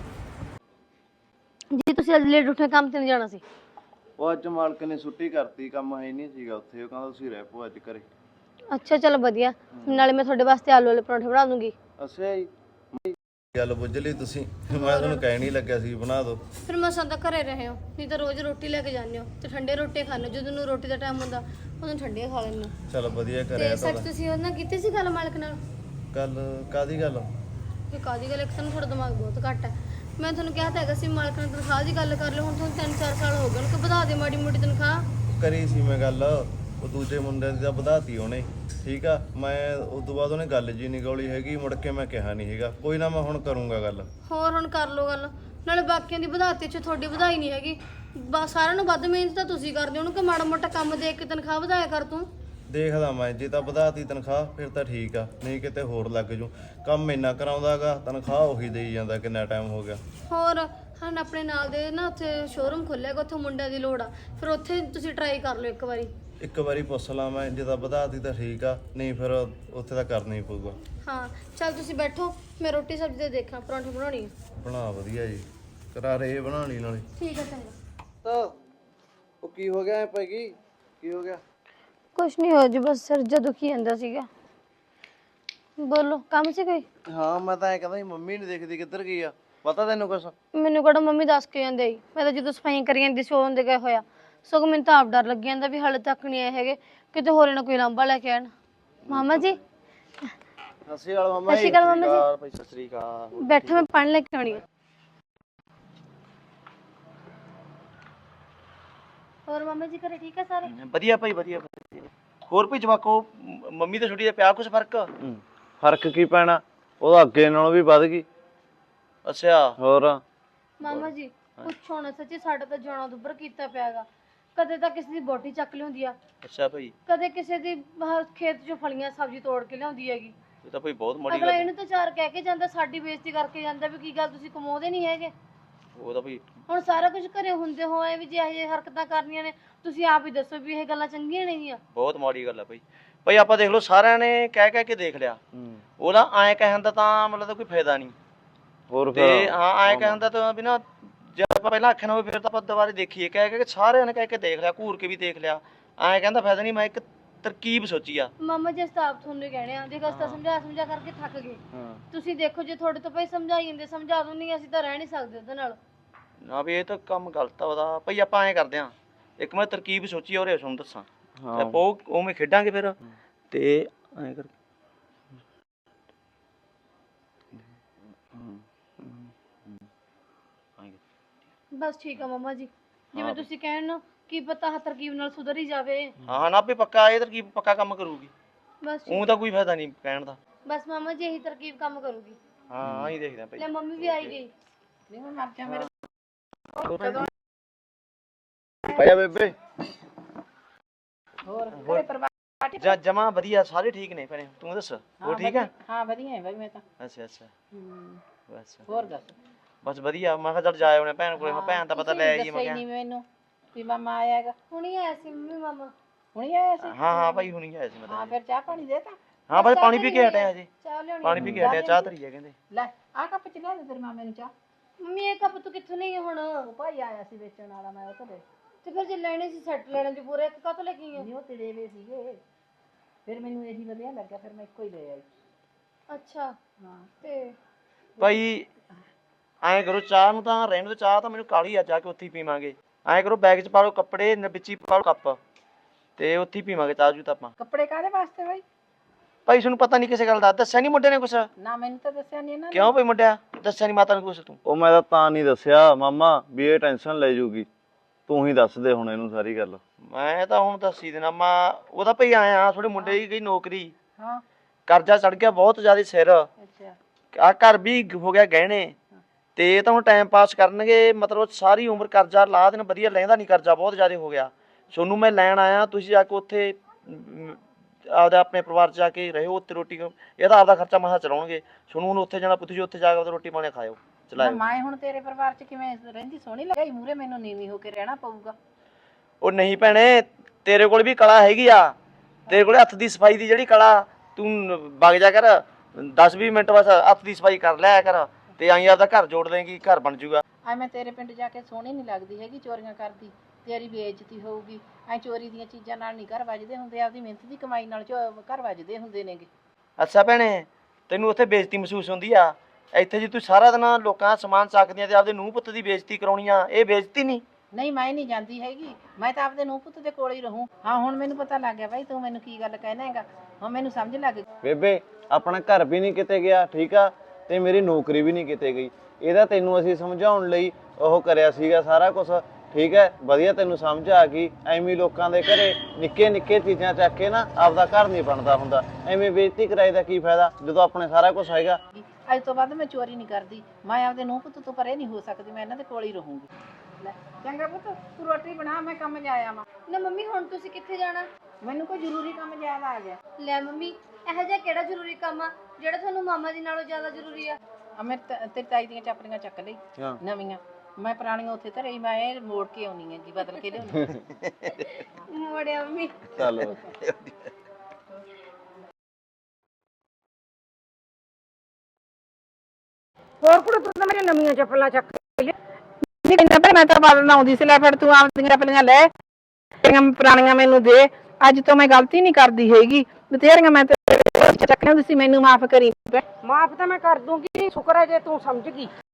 [SPEAKER 2] ਜੀ ਤੁਸੀਂ ਅੱਜ ਲੇਟ ਉੱਠੇ, ਕੰਮ ਤੇ ਨਹੀਂ ਜਾਣਾ ਸੀ?
[SPEAKER 4] ਉਹ ਅੱਜ ਮਾਲਕ ਨੇ ਛੁੱਟੀ ਕਰਤੀ, ਕੰਮ ਹੈ ਨਹੀਂ ਸੀਗਾ ਉੱਥੇ, ਉਹ ਕਹਿੰਦਾ ਤੁਸੀਂ ਰਹਿ ਪਓ ਅੱਜ ਘਰੇ।
[SPEAKER 2] ਅੱਛਾ ਚਲੋ ਵਧੀਆ, ਨਾਲੇ ਮੈਂ ਤੁਹਾਡੇ ਵਾਸਤੇ ਆਲੂ ਵਾਲੇ ਪਰੌਂਠੇ ਬਣਾ ਦੂੰਗੀ।
[SPEAKER 4] ਅੱਛਾ ਜੀ, ਗੱਲ ਬੁੱਝ ਲਈ ਤੁਸੀਂ, ਮੈਂ ਤੁਹਾਨੂੰ ਕਹਿਣ ਹੀ ਲੱਗਿਆ ਸੀ ਬਣਾ ਦਿਓ।
[SPEAKER 2] ਫਿਰ ਮਸਾਂ ਤਾਂ ਘਰੇ ਰਹੇ ਹੋ, ਨਹੀਂ ਤਾਂ ਰੋਜ਼ ਰੋਟੀ ਲੈ ਕੇ ਜਾਂਦੇ ਹੋ ਤੇ ਠੰਡੇ ਰੋਟੀ ਖਾਣੇ ਹੋ। ਜਦੋਂ ਨੂੰ ਰੋਟੀ ਦਾ ਟਾਈਮ ਹੁੰਦਾ ਉਦੋਂ ਠੰਡੇ ਖਾ ਲੈਂਦੇ ਹੋ।
[SPEAKER 4] ਚਲ ਵਧੀਆ
[SPEAKER 2] ਤੇ
[SPEAKER 4] ਕਰਿਆ
[SPEAKER 2] ਸੱਚ
[SPEAKER 4] ਤਾਂ।
[SPEAKER 2] ਤੁਸੀਂ ਉਹਨਾਂ ਨਾਲ ਕੀਤੀ ਸੀ ਗੱਲ ਮਾਲਕ ਨਾਲ?
[SPEAKER 4] ਗੱਲ ਕਾਦੀ ਗੱਲ?
[SPEAKER 2] ਕਿ ਕਾਦੀ ਗੱਲ? ਇੱਕ ਤਾਂ ਤੁਹਾਡਾ ਦਿਮਾਗ ਬਹੁਤ ਘੱਟ ਹੈ। ਮੈਂ ਤੁਹਾਨੂੰ ਕਿਹਾ ਤਾਂ ਹੈਗਾ ਸੀ ਮਾਲਕ ਨਾਲ ਤਨਖਾਹ ਦੀ ਗੱਲ ਕਰ ਲਿਓ। ਹੁਣ ਤੁਹਾਨੂੰ ਤਿੰਨ ਚਾਰ ਸਾਲ ਹੋ ਗਏ ਉਹਨੂੰ, ਕਿ ਵਧਾ ਦੇ ਮਾੜੀ ਮੋਟੀ ਤਨਖਾਹ।
[SPEAKER 4] ਕਰੀ ਸੀ ਮੈਂ ਗੱਲ, ਉਹ ਦੂਜੇ ਮੁੰਡੇ ਦੀ ਤਾਂ ਵਧਾਤੀ ਉਹਨੇ, ਠੀਕ ਆ। ਮੈਂ ਉਸ ਤੋਂ ਬਾਅਦ ਉਹਨੇ ਗੱਲ ਜੀ ਨਿਗੋਲੀ ਹੈਗੀ, ਮੁੜ ਕੇ ਮੈਂ ਕਿਹਾ ਨਹੀਂ ਹੈਗਾ। ਕੋਈ ਨਾ ਮੈਂ ਹੁਣ ਕਰੂੰਗਾ ਗੱਲ।
[SPEAKER 2] ਹੋਰ ਹੁਣ ਕਰ ਲਓ ਗੱਲ, ਨਾਲੇ ਬਾਕੀਆਂ ਦੀ ਵਧਾਤੀ ਚ ਤੁਹਾਡੀ ਵਧਾਈ ਨਹੀਂ ਹੈਗੀ। ਬਸ ਸਾਰਿਆਂ ਨੂੰ ਵੱਧ ਮਿਹਨਤ ਤਾਂ ਤੁਸੀਂ ਕਰਦੇ ਹੋ, ਉਹਨੂੰ ਕਿ ਮਾੜਾ ਮੋਟਾ ਕੰਮ ਦੇਖ ਕੇ ਤਨਖਾਹ ਵਧਾਇਆ ਕਰ ਤੂੰ।
[SPEAKER 4] ਦੇਖਦਾ ਮੈਂ, ਜੇ ਤਾਂ ਵਧਾਤੀ ਤਨਖਾਹ ਫਿਰ ਤਾਂ ਠੀਕ ਆ, ਨਹੀਂ ਕਿਤੇ ਹੋਰ ਲੱਗ ਜੂ। ਕੰਮ ਇੰਨਾ ਕਰਾਉਂਦਾਗਾ, ਤਨਖਾਹ ਉਹੀ ਦੇਈ ਜਾਂਦਾ। ਕਿੰਨਾ ਟਾਈਮ ਹੋ ਗਿਆ।
[SPEAKER 2] ਹੋਰ ਹਨ ਆਪਣੇ ਨਾਲ ਦੇ ਨਾ ਉੱਥੇ ਸ਼ੋਰੂਮ ਖੁੱਲਿਆਗਾ, ਉੱਥੇ ਮੁੰਡਿਆਂ ਦੀ ਲੋੜ ਆ, ਫਿਰ ਉੱਥੇ ਤੁਸੀਂ ਟਰਾਈ ਕਰ ਲਓ ਇੱਕ ਵਾਰੀ।
[SPEAKER 4] ਇੱਕ ਵਾਰੀ ਪੁੱਛ ਲਾਂ ਮੈਂ, ਜੇ ਤਾਂ ਵਧਾਤੀ ਤਾਂ ਠੀਕ ਆ, ਨਹੀਂ ਫਿਰ ਉੱਥੇ ਤਾਂ ਕਰਨਾ ਹੀ ਪਊਗਾ।
[SPEAKER 2] ਹਾਂ ਚੱਲ ਤੁਸੀਂ ਬੈਠੋ, ਮੈਂ ਰੋਟੀ ਸਬਜ਼ੀ ਤੇ ਦੇਖਾਂ, ਪਰੌਂਠੇ ਬਣਾਉਣੀ ਆ।
[SPEAKER 4] ਬਣਾ ਵਧੀਆ ਜੀ, ਕਰਾਰੇ ਬਣਾਣੀ ਨਾਲੇ।
[SPEAKER 2] ਠੀਕ ਹੈ ਚੰਗਾ।
[SPEAKER 4] ਤਾਂ ਉਹ ਕੀ ਹੋ ਗਿਆ ਪੈ ਗਈ? ਕੀ ਹੋ ਗਿਆ?
[SPEAKER 2] ਕੁਛ ਨਹੀਂ ਹੋ ਜੀ, ਬਸ ਸਿਰ ਜਿਹਾ ਦੁਖੀ ਜਾਂਦਾ ਸੀਗਾ। ਬੋਲੋ, ਕੰਮ ਸੀ ਕੋਈ?
[SPEAKER 4] ਹਾਂ ਮੈਂ ਤਾਂ ਐ ਕਹਿੰਦਾ ਸੀ, ਮੰਮੀ ਨਹੀਂ ਦਿਖਦੀ ਕਿੱਧਰ ਗਈ ਆ, ਪਤਾ ਤੈਨੂੰ ਕੁਛ?
[SPEAKER 2] ਮੈਨੂੰ ਕਿਹੜਾ ਮੰਮੀ ਦੱਸ ਕੇ ਜਾਂਦੇ ਸੀ, ਮੈਂ ਤਾਂ ਜਦੋਂ ਸਫਾਈਆਂ ਕਰੀ ਜਾਂਦੀ ਸੀ ਉਦੋਂ ਦੇ ਗਏ ਹੋਇਆ। ਸਗੋਂ ਮੈਨੂੰ ਤਾਂ ਆਪ ਡਰ ਲੱਗ ਜਾਂਦਾ ਵੀ ਹਾਲੇ ਤੱਕ ਨਹੀਂ ਆਏ ਹੈਗੇ, ਕਿਤੇ ਹੋਰ ਨਾ ਕੋਈ ਲਾਂਭਾ ਲੈ ਕੇ ਆਣ। ਮਾਮਾ ਜੀ
[SPEAKER 4] ਸਤਿ ਸ਼੍ਰੀ ਅਕਾਲ ਮਾਮਾ
[SPEAKER 2] ਸਤਿ ਸ਼੍ਰੀ ਅਕਾਲ ਮਾਮਾ ਜੀ।
[SPEAKER 4] ਭਾਈ ਸਤਿ ਸ਼੍ਰੀ ਅਕਾਲ।
[SPEAKER 2] ਬੈਠੋ, ਮੈਂ ਪਾਣੀ ਲੈ ਕੇ ਆਉਣੀ ਆ। ਹੋਰ ਮਾਮਾ ਜੀ ਘਰੇ ਠੀਕ ਆ ਸਾਰੇ?
[SPEAKER 5] ਵਧੀਆ ਭਾਈ ਵਧੀਆ ਵਧੀਆ। ਹੋਰ ਭਾਈ ਜਵਾਕੋ, ਮ- ਮੰਮੀ ਤੇ ਛੁੱਟੀ ਦਾ ਪਿਆ ਕੁਛ ਫਰਕ?
[SPEAKER 4] ਫਰਕ ਕੀ ਪੈਣਾ, ਉਹਦਾ ਅੱਗੇ ਨਾਲੋਂ ਵੀ ਵੱਧ ਗਈ।
[SPEAKER 5] ਅੱਛਾ
[SPEAKER 4] ਹੋਰ
[SPEAKER 2] ਮਾਮਾ ਜੀ ਪੁੱਛੋ ਨਾ, ਸੱਚੀ ਸਾਡਾ ਤਾਂ ਜਾਣਾ ਦੁੱਬਰ ਕੀਤਾ ਪਿਆਗਾ। ਕਦੇ ਤਾਂ ਕਿਸੇ ਦੀ ਬੋਟੀ ਚੱਕ ਲਿਆਉਂਦੀ ਆ,
[SPEAKER 5] ਅੱਛਾ ਭਾਈ,
[SPEAKER 2] ਕਦੇ ਕਿਸੇ ਦੀ ਬਾਹਰ ਖੇਤ ਚੋਂ ਫਲੀਆਂ ਸਬਜ਼ੀ ਤੋੜ ਕੇ ਲਿਆਉਂਦੀ ਹੈਗੀ।
[SPEAKER 5] ਇਹ ਤਾਂ ਭਾਈ ਬਹੁਤ ਮਾੜੀ
[SPEAKER 2] ਅਗਲਾ
[SPEAKER 5] ਗੱਲ।
[SPEAKER 2] ਇਹਨੂੰ ਤਾਂ ਚਾਰ ਕਹਿ ਕੇ ਜਾਂਦਾ, ਸਾਡੀ ਬੇਇੱਜ਼ਤੀ ਕਰਕੇ ਜਾਂਦਾ ਵੀ ਕੀ ਗੱਲ ਤੁਸੀਂ ਕਮਾਉਂਦੇ ਨਹੀਂ ਹੈਗੇ।
[SPEAKER 5] ਉਹ ਤਾਂ ਭਾਈ
[SPEAKER 2] ਹੁਣ ਸਾਰਾ ਕੁਝ ਘਰੇ ਹੁੰਦੇ ਹੋਏ ਵੀ ਜੇ ਇਹੋ ਜਿਹੇ ਹਰਕਤਾਂ ਕਰਨੀਆਂ ਨੇ, ਤੁਸੀਂ ਆਪ ਹੀ ਦੱਸੋ ਵੀ ਇਹ ਗੱਲਾਂ ਚੰਗੀਆਂ ਨੇਗੀਆਂ।
[SPEAKER 5] ਬਹੁਤ ਮਾੜੀ ਗੱਲ ਆ ਭਾਈ। ਭਾਈ ਆਪਾਂ ਦੇਖ ਲਓ, ਸਾਰਿਆਂ ਨੇ ਕਹਿ ਕਹਿ ਕੇ ਦੇਖ ਲਿਆ, ਉਹਦਾ ਐਂ ਕਹਿਣ ਦਾ ਤਾਂ ਮਤਲਬ ਤਾਂ ਕੋਈ ਫਾਇਦਾ ਨਹੀਂ।
[SPEAKER 4] ਹੋਰ
[SPEAKER 5] ਤੇ ਹਾਂ ਐਂ ਕਹਿਣ ਦਾ ਤਾਂ ਵੀ ਨਾ, ਜੇ ਆਪਾਂ ਪਹਿਲਾਂ ਆਖਿਆ ਨਾ ਹੋਵੇ ਫਿਰ ਤਾਂ ਆਪਾਂ ਦੁਬਾਰੇ ਦੇਖੀਏ। ਕਹਿ ਕਹਿ ਕੇ ਸਾਰਿਆਂ ਨੇ ਕਹਿ ਕੇ ਦੇਖ ਲਿਆ, ਘੂਰ ਕੇ ਵੀ ਦੇਖ ਲਿਆ, ਐਂ ਕਹਿੰਦਾ ਫਾਇਦਾ ਨਹੀਂ। ਮੈਂ ਇੱਕ ਤਰਕੀਬ ਸੋਚੀ ਆ।
[SPEAKER 2] ਮਾਮਾ ਜੀ ਅਸੀਂ ਤਾਂ ਆਪ ਤੁਹਾਨੂੰ ਹੀ ਕਹਿਣੇ ਆ, ਦੇਖ ਅਸੀਂ ਤਾਂ ਸਮਝਾ ਸਮਝਾ ਕਰਕੇ ਥੱਕ ਗਏ। ਤੁਸੀਂ ਦੇਖੋ ਜੇ ਤੁਹਾਡੇ ਤੋਂ ਭਾਈ ਸਮਝਾਈ ਜਾਂਦੇ, ਸਮਝਾ ਦੋ, ਨਹੀਂ ਅਸੀਂ ਤਾਂ ਰਹਿ ਨਹੀਂ ਸਕਦੇ ਉਹਦੇ ਨਾਲ।
[SPEAKER 5] ਨਾ ਵੀ ਇਹ ਤਾਂ ਕੰਮ ਗਲਤ ਆ ਉਹਦਾ। ਭਾਈ ਆਪਾਂ ਐਂ ਕਰਦੇ ਆਂ, ਇੱਕ ਮੈਂ ਤਰਕੀਬ ਸੋਚੀ ਆ, ਉਹਰੇ ਤੁਹਾਨੂੰ ਦੱਸਾਂ। ਤੇ ਆਪਾਂ ਉਹ ਉਵੇਂ ਖੇਡਾਂਗੇ ਫਿਰ। ਤੇ ਐਂ ਕਰ
[SPEAKER 2] ਬਸ ਠੀਕ ਆ ਮਾਮਾ ਜੀ, ਜਿਵੇਂ ਤੁਸੀਂ ਕਹਿਣ ਨਾ, ਕੀ ਪਤਾ ਹ ਤਰਕੀਬ ਨਾਲ ਸੁਧਰ ਹੀ ਜਾਵੇ।
[SPEAKER 5] ਹਾਂ ਨਾ ਵੀ ਪੱਕਾ, ਇਹ ਤਰਕੀਬ ਪੱਕਾ ਕੰਮ ਕਰੂਗੀ।
[SPEAKER 2] ਬਸ
[SPEAKER 5] ਉਹ ਤਾਂ ਕੋਈ ਫਾਇਦਾ ਨਹੀਂ ਕਹਿਣ ਦਾ।
[SPEAKER 2] ਬਸ ਮਾਮਾ ਜੀ ਇਹੀ ਤਰਕੀਬ ਕੰਮ ਕਰੂਗੀ।
[SPEAKER 5] ਹਾਂ ਆਹੀ ਦੇਖਦੇ ਆਂ ਭਾਈ।
[SPEAKER 2] ਲੈ ਮੰਮੀ ਵੀ ਆਈ ਗਈ।
[SPEAKER 1] ਨਹੀਂ ਮੈਂ ਮਰ ਜਾ ਮੇਰੇ
[SPEAKER 4] ਪਾਇਆ ਬੇਬੇ।
[SPEAKER 1] ਹੋਰ ਘਰੇ ਪਰਿਵਾਰ
[SPEAKER 5] ਜਾਂ ਜਮਾ ਵਧੀਆ, ਸਾਰੇ ਠੀਕ ਨੇ ਭੈਣੇ, ਤੂੰ ਦੱਸ ਉਹ ਠੀਕ ਆ?
[SPEAKER 1] ਹਾਂ ਵਧੀਆ ਹੈ ਬਾਈ, ਮੈਂ ਤਾਂ।
[SPEAKER 5] ਅੱਛਾ ਅੱਛਾ
[SPEAKER 1] ਹੂੰ
[SPEAKER 5] ਬਸ
[SPEAKER 1] ਹੋਰ ਦੱਸ।
[SPEAKER 5] ਬਸ ਵਧੀਆ। ਮੈਂ ਕਿਹਾ ਚੱਲ ਜਾਏ ਉਹਨੇ ਭੈਣ ਕੋਲੇ, ਮੈਂ ਭੈਣ ਦਾ ਪਤਾ ਲੈ ਆਈਏ। ਮੈਂ
[SPEAKER 1] ਦੱਸਿਆ ਹੀ ਨਹੀਂ ਮੈਨੂੰ ਵੀ ਮਾਮਾ ਆਇਆ ਹੈਗਾ।
[SPEAKER 2] ਹੁਣੀ ਆਇਆ ਸੀ ਮੰਮੀ ਮਾਮਾ।
[SPEAKER 1] ਹੁਣੀ ਆਇਆ ਸੀ?
[SPEAKER 5] ਹਾਂ ਹਾਂ ਭਾਈ ਹੁਣੀ ਆਇਆ ਸੀ ਮੈਂ
[SPEAKER 1] ਹਾਂ
[SPEAKER 5] ਤਾਂ।
[SPEAKER 1] ਫਿਰ ਚਾਹ ਪਾਣੀ ਦੇਤਾ?
[SPEAKER 5] ਹਾਂ ਭਾਈ ਪਾਣੀ ਪੀ ਕੇ ਹਟਿਆ ਜੀ।
[SPEAKER 2] ਚਾਹ ਲਿਆਉਣੀ।
[SPEAKER 5] ਪਾਣੀ ਪੀ ਕੇ ਹਟਿਆ, ਚਾਹ ਧਰੀ ਆ ਕਹਿੰਦੇ।
[SPEAKER 1] ਲੈ ਆਹ ਕੱਪ ਚ ਲਿਆ ਦੇ ਤੇਰੇ ਮਾਮੇ ਨੂੰ ਚਾਹ।
[SPEAKER 2] ਮੰਮੀ ਇਹ ਕੱਪ ਤੂੰ ਕਿੱਥੋਂ ਲਈ ਹੁਣ?
[SPEAKER 1] ਉਹ ਭਾਈ ਆਇਆ ਸੀ ਵੇਚਣ ਵਾਲਾ, ਮੈਂ ਉਹ ਤੋਂ ਲੈ।
[SPEAKER 2] ਤੇ ਫਿਰ ਜੇ ਲੈਣੇ ਸੀ ਸੈੱਟ ਲੈਣੇ ਸੀ ਪੂਰੇ, ਇੱਕ ਕੱਪ ਲੈ ਕੇ ਆਈ ਆ।
[SPEAKER 1] ਨਹੀਂ ਉਹ ਤੇਰੇ ਵੇ ਸੀਗੇ, ਫਿਰ ਮੈਨੂੰ ਇਹੀ ਵਧੀਆ ਲੱਗਿਆ, ਫਿਰ ਮੈਂ ਇੱਕੋ ਹੀ ਲੈ ਆਈ।
[SPEAKER 2] ਅੱਛਾ
[SPEAKER 1] ਹਾਂ
[SPEAKER 2] ਤੇ
[SPEAKER 5] ਭਾਈ ਐਂ ਕਰੋ, ਚਾਹ ਨੂੰ ਤਾਂ ਰਹਿਣ ਦਿਓ, ਚਾਹ ਤਾਂ ਮੈਨੂੰ ਕਾਲੀ ਆ, ਜਾ ਕੇ ਉੱਥੇ ਹੀ ਪੀਵਾਂਗੇ। ਐਂ ਕਰੋ, ਬੈਗ 'ਚ ਪਾ ਲਓ ਕੱਪੜੇ, ਵਿੱਚ ਹੀ ਪਾ ਲਓ ਕੱਪ, ਤੇ ਉੱਥੇ ਹੀ ਪੀਵਾਂਗੇ ਚਾਹ ਜੂ ਤਾਂ ਆਪਾਂ।
[SPEAKER 1] ਕੱਪੜੇ ਕਾਹਦੇ ਵਾਸਤੇ ਬਾਈ?
[SPEAKER 5] ਭਾਈ ਤੁਹਾਨੂੰ ਪਤਾ ਨਹੀਂ ਕਿਸੇ ਗੱਲ ਦਾ, ਦੱਸਿਆ ਨਹੀਂ ਮੁੰਡੇ ਨੇ ਕੁਛ?
[SPEAKER 1] ਨਾ ਮੈਨੂੰ ਤਾਂ ਦੱਸਿਆ ਨਹੀਂ ਇਹਨਾਂ ਨੇ।
[SPEAKER 5] ਕਿਉਂ ਭਾਈ ਮੁੰਡਿਆ ਦੱਸਿਆ ਨਹੀਂ ਮਾਤਾ ਨੂੰ ਕੁਛ ਤੂੰ?
[SPEAKER 4] ਉਹ ਮੈਂ ਤਾਂ ਤਾਂ ਨਹੀਂ ਦੱਸਿਆ ਮਾਮਾ ਵੀ ਇਹ ਟੈਨਸ਼ਨ ਲੈ ਜੂਗੀ, ਤੂੰ ਹੀ ਦੱਸ ਦੇ ਹੁਣ ਇਹਨੂੰ ਸਾਰੀ ਗੱਲ।
[SPEAKER 5] ਮੈਂ ਤਾਂ ਹੁਣ ਦੱਸੀ ਦੇਣਾ, ਮੈਂ ਉਹਦਾ ਭਾਈ ਆਇਆ ਥੋੜੇ ਮੁੰਡੇ ਦੀ ਗਈ ਨੌਕਰੀ,
[SPEAKER 1] ਹਾਂ
[SPEAKER 5] ਕਰਜ਼ਾ ਚੜ ਗਿਆ ਬਹੁਤ ਜ਼ਿਆਦਾ ਸਿਰ,
[SPEAKER 1] ਅੱਛਾ
[SPEAKER 5] ਆ ਘਰ ਵੀ ਹੋ ਗਿਆ ਗਹਿਣੇ, ਤੇ ਇਹ ਤਾਂ ਹੁਣ ਟਾਈਮ ਪਾਸ ਕਰਨਗੇ, ਮਤਲਬ ਸਾਰੀ ਉਮਰ ਕਰਜ਼ਾ ਲਾ ਦੇਣ, ਵਧੀਆ ਲੈਂਦਾ ਨਹੀਂ, ਕਰਜ਼ਾ ਬਹੁਤ ਜ਼ਿਆਦਾ ਹੋ ਗਿਆ। ਸੋਨੂੰ ਮੈਂ ਲੈਣ ਆਇਆ, ਤੁਸੀਂ ਜਾ ਕੇ ਉੱਥੇ ਅਮ, ਆਪਦਾ ਆਪਣੇ ਪਰਿਵਾਰ 'ਚ ਜਾ ਕੇ ਰਹੋ ਉੱਥੇ, ਰੋਟੀ ਇਹਦਾ ਆਪਦਾ ਖਰਚਾ ਮਸਾਂ ਚਲਾਉਣਗੇ। ਸੋਨੂੰ ਹੁਣ ਉੱਥੇ ਜਾਣਾ, ਤੁਸੀਂ ਉੱਥੇ ਜਾ ਕੇ ਰੋਟੀ ਪਾਣੀ ਖਾਇਓ ਚਲਾਇਓ।
[SPEAKER 1] ਮੈਂ ਹੁਣ ਤੇਰੇ ਪਰਿਵਾਰ ਚ ਕਿਵੇਂ ਰਹਿੰਦੀ, ਸੋਹਣੀ ਲੱਗੀ ਮੂਰੇ ਮੈਨੂੰ ਨੀਵੀਂ ਹੋ ਕੇ ਰਹਿਣਾ ਪਊਗਾ।
[SPEAKER 5] ਉਹ ਨਹੀਂ ਭੈਣੇ, ਤੇਰੇ ਕੋਲ ਵੀ ਕਲਾ ਹੈਗੀ ਆ, ਤੇਰੇ ਕੋਲ ਹੱਥ ਦੀ ਸਫਾਈ ਦੀ ਜਿਹੜੀ ਕਲਾ, ਤੂੰ ਵਗ ਜਾ ਕਰ ਦਸ ਵੀਹ ਮਿੰਟ ਬਸ ਹੱਥ ਦੀ ਸਫਾਈ ਕਰ ਲਿਆ ਕਰ, ਤੇ ਆਈ ਆਪਦਾ ਘਰ ਜੋੜ ਦੇਂਗੀ, ਘਰ ਬਣ ਜੂਗਾ।
[SPEAKER 1] ਐ ਮੈਂ ਤੇਰੇ ਪਿੰਡ ਜਾ ਕੇ ਸੋਹਣੀ ਨਹੀਂ ਲੱਗਦੀ ਹੈਗੀ, ਚੋਰੀਆਂ ਕਰਦੀ, ਤੇਰੀ ਬੇਇੱਜ਼ਤੀ ਹੋਊਗੀ। ਐ ਚੋਰੀ ਦੀਆਂ ਚੀਜ਼ਾਂ ਨਾਲ ਨਹੀਂ ਘਰ ਵੱਜਦੇ ਹੁੰਦੇ, ਆਪਦੀ ਮਿਹਨਤ ਦੀ ਕਮਾਈ ਨਾਲ ਚੋ ਘਰ ਵੱਜਦੇ ਹੁੰਦੇ ਨੇਗੇ।
[SPEAKER 5] ਅੱਛਾ ਭੈਣੇ, ਤੈਨੂੰ ਉੱਥੇ ਬੇਇੱਜ਼ਤੀ ਮਹਿਸੂਸ ਹੁੰਦੀ ਆ, ਇੱਥੇ ਜੀ ਤੂੰ ਸਾਰਾ ਦਿਨ ਲੋਕਾਂ ਦਾ ਸਮਾਨ ਚੱਕਦੀਆਂ ਤੇ ਆਪਦੇ ਨੂੰਹ ਪੁੱਤ ਦੀ ਬੇਇੱਜ਼ਤੀ ਕਰਾਉਣੀ ਆ, ਇਹ ਬੇਇੱਜ਼ਤੀ ਨਹੀਂ?
[SPEAKER 1] ਨਹੀਂ ਮੈਂ ਨਹੀਂ ਜਾਂਦੀ ਹੈਗੀ, ਮੈਂ ਤਾਂ ਆਪਦੇ ਨੂੰਹ ਪੁੱਤ ਦੇ ਕੋਲ ਹੀ ਰਹੂੰ। ਹਾਂ ਹੁਣ ਮੈਨੂੰ ਪਤਾ ਲੱਗ ਗਿਆ ਬਾਈ, ਤੂੰ ਮੈਨੂੰ ਕੀ ਗੱਲ ਕਹਿਣਾ ਹੈਗਾ, ਹੁਣ ਮੈਨੂੰ ਸਮਝ ਲੱਗ ਗਈ।
[SPEAKER 4] ਬੇਬੇ ਆਪਣਾ ਘਰ ਵੀ ਨਹੀਂ ਕਿਤੇ ਗਿਆ, ਠੀਕ ਆ, ਤੇ ਮੇਰੀ ਨੌਕਰੀ ਵੀ ਨਹੀਂ ਕਿਤੇ ਗਈ। ਇਹਦਾ ਤੈਨੂੰ ਅਸੀਂ ਸਮਝਾਉਣ ਲਈ ਉਹ ਕਰਿਆ ਸੀਗਾ ਸਾਰਾ ਕੁਝ, ਠੀਕ ਹੈ, ਵਧੀਆ ਤੈਨੂੰ ਸਮਝ ਆ ਗਈ। ਐਵੇਂ ਲੋਕਾਂ ਦੇ ਘਰੇ ਨਿੱਕੇ ਨਿੱਕੇ ਚੀਜ਼ਾਂ ਚੱਕ ਕੇ ਨਾ ਆਪਦਾ ਘਰ ਨਹੀਂ ਬਣਦਾ ਹੁੰਦਾ, ਐਵੇਂ ਬੇਇੱਜ਼ਤੀ ਕਰਾਈ ਦਾ ਕੀ ਫਾਇਦਾ ਜਦੋਂ ਆਪਣੇ ਸਾਰਾ ਕੁਝ ਹੈਗਾ।
[SPEAKER 1] ਅੱਜ ਤੋਂ ਬਾਅਦ ਮੈਂ ਚੋਰੀ ਨਹੀਂ ਕਰਦੀ, ਮੈਂ ਆਪਦੇ ਨੂੰਹ ਪੁੱਤ ਤੋਂ ਪਰੇ ਨਹੀਂ ਹੋ ਸਕਦੀ, ਮੈਂ ਇਹਨਾਂ ਦੇ ਕੋਲ ਹੀ ਰਹੂੰਗੀ। ਲੈ ਚੰਗਾ ਪੁੱਤ, ਤੂੰ ਰੋਟੀ ਬਣਾ, ਮੈਂ ਕੰਮ ਜਾਇਆ ਵਾਂ।
[SPEAKER 2] ਨਾ ਮੰਮੀ ਹੁਣ ਤੁਸੀਂ ਕਿੱਥੇ ਜਾਣਾ?
[SPEAKER 1] ਮੈਨੂੰ ਕੋਈ ਜ਼ਰੂਰੀ ਕੰਮ ਯਾਦ ਆ ਗਿਆ।
[SPEAKER 2] ਲੈ ਮੰਮੀ, ਇਹੋ ਜਿਹਾ ਕਿਹੜਾ ਜ਼ਰੂਰੀ ਕੰਮ ਆ ਜਿਹੜਾ ਤੁਹਾਨੂੰ ਮਾਮਾ ਜੀ ਨਾਲੋਂ ਜ਼ਿਆਦਾ ਜ਼ਰੂਰੀ ਆ?
[SPEAKER 1] ਆ ਮੈਂ ਤ- ਤੇਰੀ ਤਾਈ ਦੀਆਂ ਚਾਪੜੀਆਂ ਚੱਕ ਲਈ
[SPEAKER 4] ਹਾਂ
[SPEAKER 1] ਨਵੀਆਂ, ਮੈਂ ਪੁਰਾਣੀਆਂ ਉੱਥੇ ਧਰੇ, ਮੈਂ ਇਹ ਮੋੜ ਕੇ ਆਉਣੀ ਹੈ ਜੀ, ਬਦਲ ਕੇ ਲਿਆਉਣੀ।
[SPEAKER 2] ਮੋੜਿਆ ਮੰਮੀ।
[SPEAKER 4] ਚਲੋ
[SPEAKER 6] ਹੋਰ ਕੁੜੇ ਤੂੰ ਤਾਂ ਮੇਰੀਆਂ ਨਵੀਆਂ ਚੱਪਲਾਂ ਚੱਕ ਲਈ।
[SPEAKER 1] ਨਹੀਂ ਕਹਿੰਦਾ ਭਾਈ ਮੈਂ ਤਾਂ ਬਦਲ ਆਉਂਦੀ ਸੀ, ਲੈ ਫਿਰ ਤੂੰ ਆਪਦੀਆਂ ਚੱਪਲੀਆਂ ਲੈ, ਤੇਰੀਆਂ ਪੁਰਾਣੀਆਂ ਮੈਨੂੰ ਦੇ, ਅੱਜ ਤੋਂ ਮੈਂ ਗਲਤੀ ਨਹੀਂ ਕਰਦੀ ਹੈਗੀ, ਬਥੇਰੀਆਂ ਮੈਂ ਤੇ ਚੱਕੀਆਂ ਹੁੰਦੀ ਸੀ, ਮੈਨੂੰ ਮਾਫ ਕਰੀ।
[SPEAKER 6] ਮਾਫ ਤਾਂ ਮੈਂ ਕਰ ਦੂੰਗੀ, ਸ਼ੁਕਰ ਹੈ ਜੇ ਤੂੰ ਸਮਝ ਗਈ।